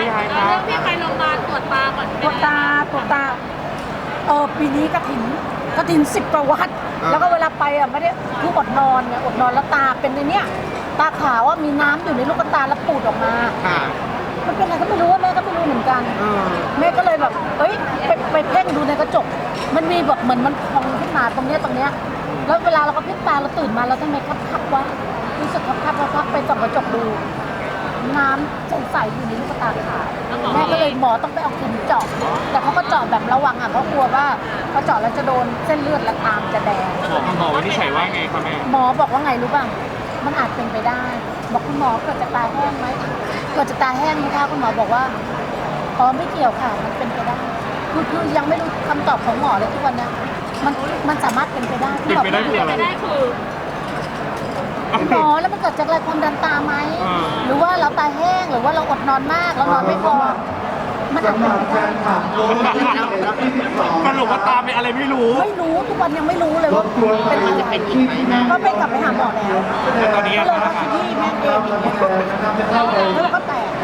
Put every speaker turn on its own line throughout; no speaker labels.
ยายครับเรื่องที่ไปโรงพยาบาลตรวจตาก่อนตรวจตา
ปีนี้กฐิน10 กว่าวัดแล้วก็เวลาไปไม่ได้คืออดนอนไงอดนอนแล้วตาเป็นในเนี้ยตาขาวว่ามีน้ำอยู่ในลูกตาแล้วปูดออกมามันเป็นอะไรก็ไม่รู้แม่ก็ไม่รู้เหมือนกันแม่ก็เลยแบบไปเพ่งดูในกระจกมันมีแบบเหมือนมันพองขึ้นมาตรงเนี้ยแล้วเวลาเราก็พลิกตาเราตื่นมาเราทำไมคับวะรู้สึกคับไปส่องกระจกดูน้ำใสๆอยู่ในลูกตาขาวแม่ก็เลยหมอต้องไปเอาเข็มเจาะแต่เขาก็เจาะแบบระวังเขากลัวว่าพอเจาะแล้วจะโดนเส้นเลือดและตามจะแดง
หมอวินิจฉัยว่าไงครับแม่
หมอบอกว่าไงรู้ป่ะมันอาจเป็นไปได้บอกคุณหมอเกิดจากตาแห้งไหมเกิดจากตาแห้งไหมคะคุณหมอบอกว่าไม่เกี่ยวค่ะมันเป็นไปได้คือยังไม่รู้คำตอบของหมอเลยทุกวันนี้มันสามารถเป็นไปได้
เป็นไปได้คืออะไร
หมอแล้วมันเกิดจากอะไรความดันตาไหมหรือว่าเราตาแห้งหรือว่าเราอดนอนมากเรานอนไม่พอมันอาจจะ
สรุปว่าตาเป็นอะไรไม่รู้
ทุกวันยังไม่รู้เลยว่าเป็นอะไรก็ไปกลับไปหาหมอแล้ว
ตอนนี้
ก็เลยว่าที่แม่เองแล้วเราก็แตก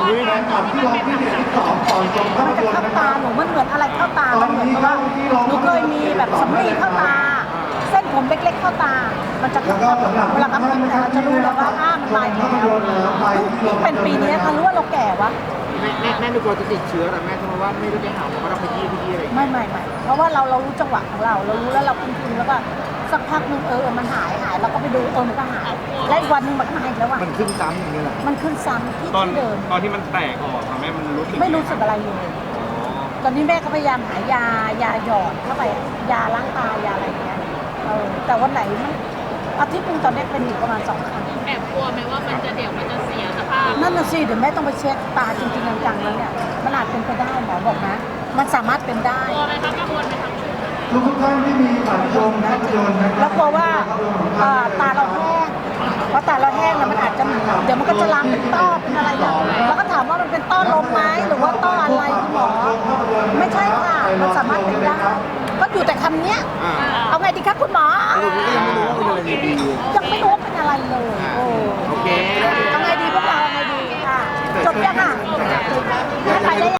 มันจะเข้าตาหนูมันเหมือนอะไรเข้าตามันเหมือนว่าหนูเคยมีแบบสำลีเข้าตาเส้นผมเล็กๆเข้าตามันจะเข้าเวลาครับเราจะรู้แล้วว่ามันตายแล้วเป็นปีนี้ค่ะรู้ว่าเราแก่วะ
แม่ดูกลัวจะติดเชื้อแต่แม่ทำไมว่าไม่ได้ไปหาหมอว่าเราไปยี่อะไร
ไม่เพราะว่าเรารู้จังหวะของเรารู้แล้วเราคุ้นๆแล้วก็สักพักนึงมันหายเราก็ไปดูมันก็หายแล้วอีกวันนึงมันก็หายแล้ว
มันขึ้นซ้ำอย่างนี้แหละ
มันขึ้นซ้ำที่เดิม
ตอนที่มันแตกออกแม่มันรู้สึก
ไม่รู้สึกอะไรเลยตอนนี้แม่ก็พยายามหายาหยอดเข้าไปยาล้างตายาอะไรอย่างเงี้ยแต่วันไหนอาทิตย์นึงตอนนี้เป็นอยู่ประมาณ2 ครั้ง
แอบกลัวไหมว่ามันจะเสียสภาพ
นั่นน่ะสิเดี๋ยวแม่ต้องไปเช็คตาจริงๆจังๆแล้วเนี่ยมันอาจเป็นไปได้หมอบอกนะมันสามารถเป็นได้
กลัวไหมครับกังวลไหมครับ
ทุกท่านที่มีบัตรชมนะ
แล้วกลัวว่าตาเราแห้งเพราะตาเราแห้งแล้วมันอาจจะเดี๋ยวมันก็จะลามเป็นต้อเป็นอะไรอย่างแล้วก็ถามว่ามันเป็นต้อลมไหมหรือว่าต้ออะไรคุณหมอไม่ใช่ค่ะมันสามารถเป็นได้ก็อยู่แต่คำเนี้ยเอาไงดีครับคุณหมอยังไม่รู้ว่าเป็นอะไรเลย
โอเค
เอาไงดีพวกเราเอาไงดีค่ะจบยังอ่ะ